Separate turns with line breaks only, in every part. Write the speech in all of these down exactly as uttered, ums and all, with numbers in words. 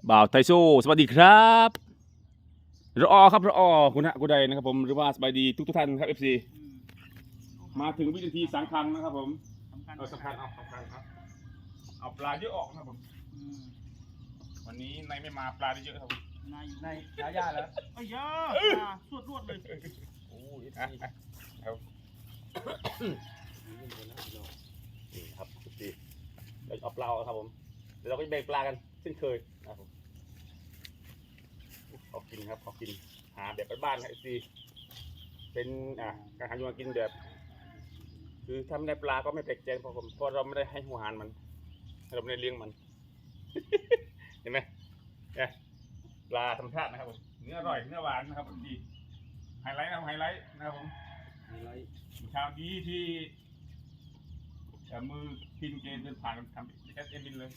บ่าวไทโซสวัสดีครับรอครับรอคุณฮะคุณใดนะครับผมหรือว่าสบายดีทุกทุกท่านครับเอฟซีมาถึงวินาทีสำคัญนะครับผมเออสำคัญเอาสำคัญครับเอาปลาเยอะออกนะครับผมวันนี้นายไม่มาปลาได้เยอะครับผม
นายในยาย่าแล้วไอ้ยาสวดรวดเลยโอ้ย
อ่ะอ่ะครับนี่ครับทุกทีเราเอาปลาครับผมเดี๋ยวเราก็จะแบ่งปลากันเช่นเคยนะครับผมขอกินครับขอกินหาแบบบ้านๆครับเอฟซีเป็นอ่ะการหาอยู่กินแบบคือถ้าไม่ได้ปลาก็ไม่แปลกใจเพราะผมเพราะเราไม่ได้ให้หัวหารมันเราไม่ได้เลี้ยงมัน เห็นไหมเนี่ยปลาธรรมชาตินะครับผมเนื้ออร่อยเนื้อหวานนะครับดีไฮไลท์นะครับไฮไลท์นะครับผมไฮไลท์เช้านี้ที่มือพินเกณฑ์เดินผ่านทำแอสเอ็มบินเลย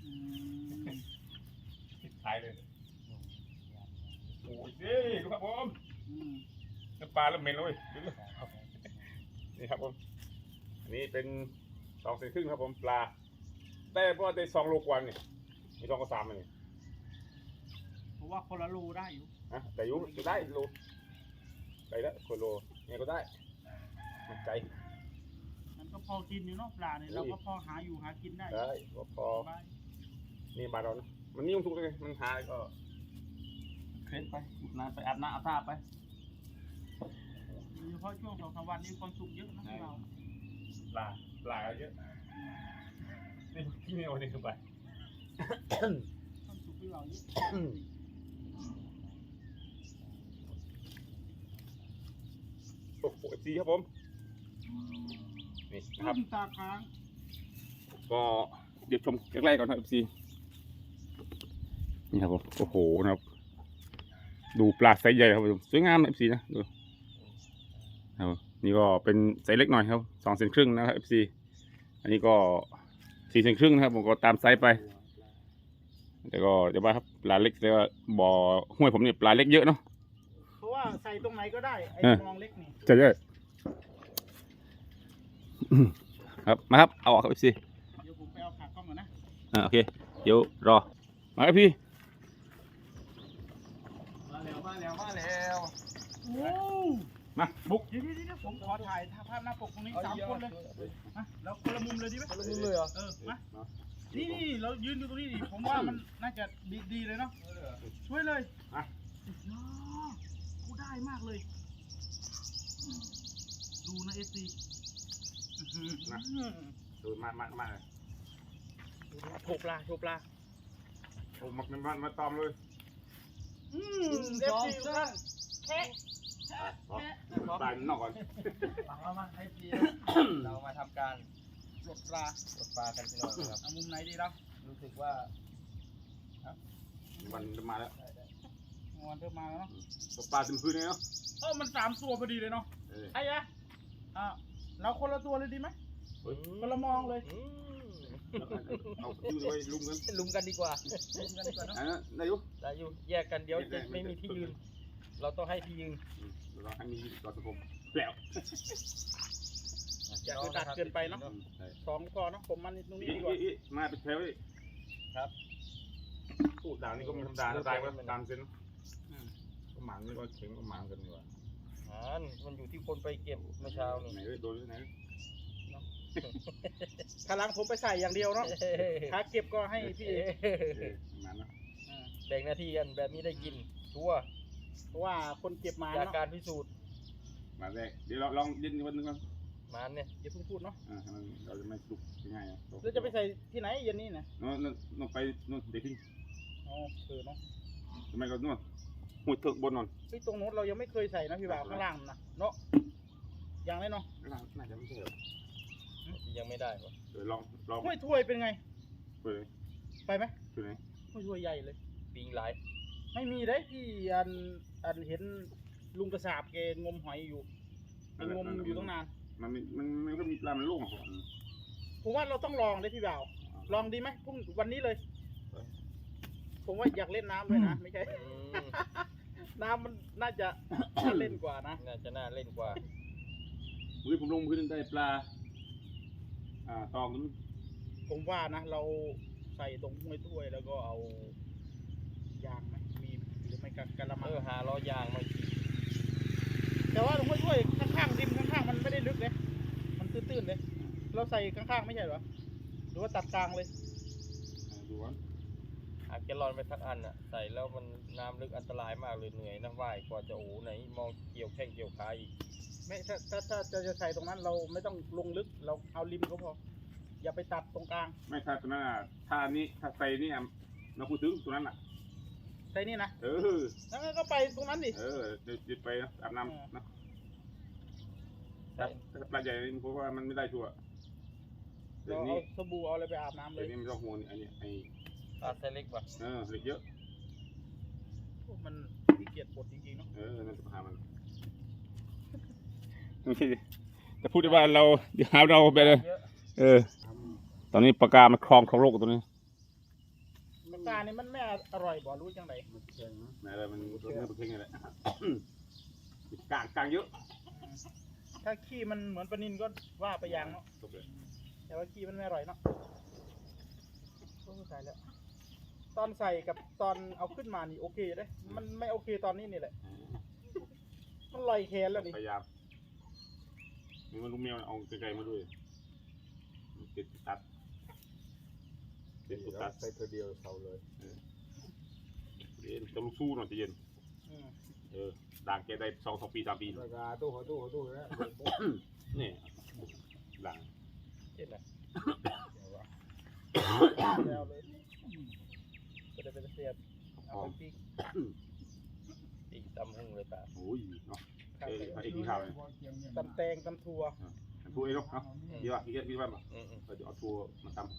ถ่ายเลยโอ้ยนี่ดูครับผมน้ำปลาแล้วเหม็นเลยนี่ครับผมอันนี้เป็นสองเซนครึ่งครับผมปลาแต่เพราะว่าได้สองโลกว่านี่มีสองกับสามอันนี้
เพราะว่าคนละรูได้อยู่
อะแต่ยุจะได้โลได้แล้วคนโลเนี่ยก็ได้มันใจ
มันก็พอกินอยู่เนาะปลาเนี่ยเราก็พอหาอยู่หากินได้
ได้ก็พอนี่บาเรานะมันนิ่มทุกเลยมันหาก็เคล็ดไปนานไปอาบน้ำอาบท่าไป
โดยเฉพาะช่วงสองสามวันนี้ความสุขเยอะนะเรา
ปลาปลาเยอะนี่ที่นี่วันนี้คือไป
ความสุขที่เราเยอะ
โอ้โหซีครับผมนี่นะครับ
ตาค้าง
ก็เดี๋ยวชมใกล้ๆก่อนครับซีนี่ครับผมโอ้โหนะครับดูปลาไซส์ใหญ่ครับผมสวยงามนะเอฟซีนะดูครับนี่ก็เป็นไซส์เล็กหน่อยครับสองเซนครึ่งนะครับเอฟซีอันนี้ก็สี่เซนครึ่งนะครับผมก็ตามไซส์ไปแต่ก็จะว่าครับปลาเล็กแต่ว่าบ่อห้วยผมเนี่ยปลาเล็กเยอะเนาะ
เพราะว่าใส่ตรงไหนก็ได้ไอ้มองเล็กนี่
ใช่ใช่ครับมาครับเอาออกครับเอฟซี
เดี๋ยวผมไปเอาขากล้องก่อนนะ
อ่าโอเคเดี๋ยวรอมาครับพี่
มาแล้วมาแล้วมาแล้วโอ้
มาบุก
เดี๋ยวเดี๋ยวผมขอถ่ายภาพหน้าปกตรงนี้สามคนเลยมาแล้วคนละมุมเลยดีไหมคนละมุมเลยเหรอเออมานี่นี่เรายืนอยู่ตรงนี้ดิผมว่ามันน่าจะดีดีเลยเนาะช่วยเลย
อ่ะ
กูได้มากเลยดูนะเอสซี
นะดูมามามา
โชว์ปลาโชว์ปลา
โอ้มามามาตอมเลย
อืมเอฟซีท่านแค่
แค่ปลาหนอกก่อน
เรามาให้พี่เรามาทำการปลดปลาปลดปลากันพี่น้องครับเอามุมไหนดีเรารู้สึกว่า
วันมาแล้ว
วันเริ่มมาแล้วเนาะ
ปลาเต็มพื้นเลยเนาะ
เออมันสามตัวพอดีเลยเนาะไอ้ยะอ่าเราคนละตัวเลยดีไหมคนละมองเลย
เอาอยู่เลยลุมกัน
ลุมกันดีกว่าลุมกันดีกว่าเนาะ
ได้อยู่
ได้อยู่แยกกันเดี๋ยวจะไม่มีที่ยืนเราต้องให้ที่ยืน
เราให้มีต่อสังคมแปลว
อย่าไปตัดเกินไปเนาะสองพอเนาะผมมันตรงนี้ดีกว่า
มาเป็นแถวเลย
ครับ
ตู้ด่างนี่ก็ไม่ธรรมดาตายว่าตามเส้นก็หมางนี่ก็เข็งก็หมางกันดีกว่า
อ่ามันอยู่ที่คนไปเก็บเมื่อเช้านี่
ไหนโดนไหน
ขาหลังผมไปใส่อย่างเดียวเนาะขาเก็บก็ให้พี่แบ่งหน้าที่กันแบบนี้ได้กินชัวเพราะว่าคนเก็บมาจากการพิสูจน์
มาแรกเดี๋ยวเราลองยินวันนึงก่อน
มาเนี่ยอย่าเพิ่งพูดเนาะ
เราจะไม่ลุกง่ายๆ
เราจะไปใส่ที่ไหนเย็นนี้นะ
นู่นนู่นไปนู่นเด็กทิ้ง
อ๋อเออเนาะ
ทำไมก็นู่นหัวเถิกบนนอน
ที่ตรงโน้นเรายังไม่เคยใส่นะพี่บ่าวข้างล่างนะเนาะยังไม่เนาะ
ข้างล่างน่าจะไม่ใช่
ยังไม่ได้ป่ะ
เดี๋ยวลองลอง
ห้วยถ้วยเป็นไง
ไป
ไปไหม
ไปไหน
ห้วยถ้วยใหญ่เลยปิงหลายไม่มีได้ที่อันอันเห็นลุงกระสาบแกงมหอยอยู่งมอยู่ตั้งนาน
มันมันมันก็มีปลามันโล่งอ่ะ
ผมว่าเราต้องลองเลยพี่บ่าวลองดีไหมพรุ่งวันนี้เลยผมว่าอยากเล่นน้ำเลยนะไม่ใช่น้ำมันน่าจะน่าเล่นกว่านะน่าจะน่าเล่นกว่า
เมื่อผมลงพื้นได้ปลาอ่าตองนั้น
ผมว่านะเราใส่ตรงห้วยถ้วยแล้วก็เอาเราใส่ข้างๆไม่ใช่เหรอหรือว่าตัดกลางเลย
ดูวะ
อาแกลลอนไปทักอันอ่ะใส่แล้วมันน้ำลึกอันตรายมากเลยเหนื่อยนะว่ายกว่าจะโอ้ไหนมองเกี่ยวแข้งเกี่ยวขาอีก
ไม่ถ้าถ้าถ้าจะจะใส่ตรงนั้นเราไม่ต้องลงลึกเราเอาริมก็พออย่าไปตัดตรงกลาง
ไม่ถ้าตัวนั้นอ่ะถ้านี้ถ้าใส่นี่อ่ะเราพูดถึงตัวนั้นอ่ะ
ใส่นี่นะ
เออ
แล้วก็ไปตรงนั้นดิ
เออเดี๋ยวจะไปนะอาบน้ำนะ
ใส่
ถ้าปลาใหญ่เพราะว่ามันไม่ได้ชัวร์เดี๋ย
เรา
ว
เอา
นี้
สบู่เอาอะไรไปอาบน้ำเล
เดี๋ยวย นี้ไม่ต้องห่วงอันนี้ไอ้
ปลาไซเล็กป่ะ
เออเหล็กเยอะ
มันขี้เกียจปลดจริงๆเนาะ
เออนั่นปัญหามันจะพูดได้ว่าเราเดี๋ยวหาเราไปเลย
เยอะ
เออ ตอนนี้ปากกามันคลองคลองโลกตัวนี้
ปากกานี่มันไม่อร่อยบ่รู้จังไหน
ไหนอะไรมันเนื้อปลาเค็งนี่แหละกลางกลางเยอะ
ถ้าขี้มันเหมือนปลานินก็ว่าไปอย่างเนาะ
จบเลย
แต่ว่าขี้มันไม่อร่อยเนาะโอ้ตายแล้วตอนใส่กับตอนเอาขึ้นมานี่โอเคเลยมันไม่โอเคตอนนี้นี่แหละมันลอยแขนแล้วนี่
พยายามมีมันลูกแมวเอาไกลๆมาด้วยติดตัดติดตัด
ใส่ตัวเดียวเสาเลย
เย็นต้องสู้หน่อยจะเย็น
อืม
เออด่างแกได้สองสองปีสามปี
ปลากาตู้เขาตู้เขาตู้แล้ว
นี่ด่าง
เห็นไหม
แล้วเลยก็จะเป็นเสียบ
ห
เอา
อ
ไป
ม
ปิ้ง
อีกตำหึ่งเลยตา
โอ้ยเนาะ
ข้าว
เอ้ย
ไก่
ไอ้กินข้าวเลย
ตำแตงตำถั่ว
ทัวเองเนาะเนาะเดี๋ยวอ่ะพี่พี่ว่ามา
อืมอืม
เดี๋ยวเอาทัวมาตำ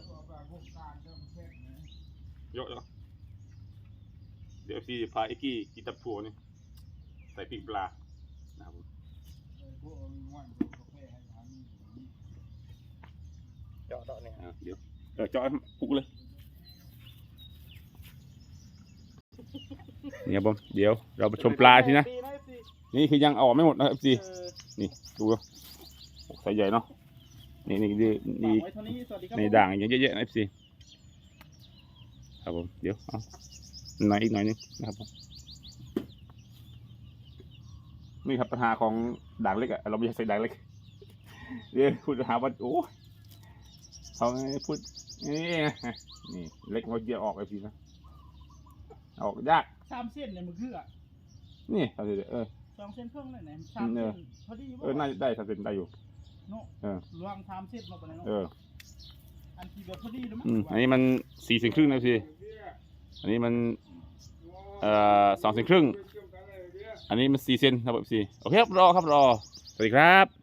เยอะเยอะเดี๋ยวพี่พาไอ้กี้กินตับทัวนี่ใส่พริกปลานะครับผม
เจาะเจาะเนี่ย
อ่ะเดี๋ยวเออเจาะปุกเลยเนี่ยผมเดี๋ยวเราไปชมปลาทีนะ
ดีนะสิ
นี่คือยังเอาออกไม่หมดนะครับพี่
เออ
นี่ดูใส่ใหญ่เนาะนี่นี่นี่
ฝาก
นี่
ไว้เท่านี้สวัสดีครับ
ใน
ผม
ด่างอย่างเยอะๆนะพี่ครับผมเดี๋ยวเอาหน่อยอีกหน่อยนึงนะครับผมนี่ครับปัญหาของด่างเล็กอะเราไม่ใช่ใส่ด่างเล็กเดี๋ยวพูดหาว่าโอ้เขาพูดนี่นี่เล็กมันเยอะออกไอ้พี่นะออกยาก
สามเส้นเนี่ยมันคืออ่ะ
นี่ทำสิเออ
สองเส้นครึ่งเลยไหนสาม
เอ
เส้
อ
นพอดี
เออน่าจะได้ทำเป็นได้อยู่
เนาะ
เออ
รวมสามเส้นมาปะเนี่ยเนาะ
เออ
อันที่แบบพอดีแล้วมั้ง
อืมอันนี้มันสี่เซนครึ่งนะพี่อันนี้มันเอ่อสองเซนครึ่งอันนี้มันสี่เซนครับพี่โอเคครับรอครับรอสวัสดีครับ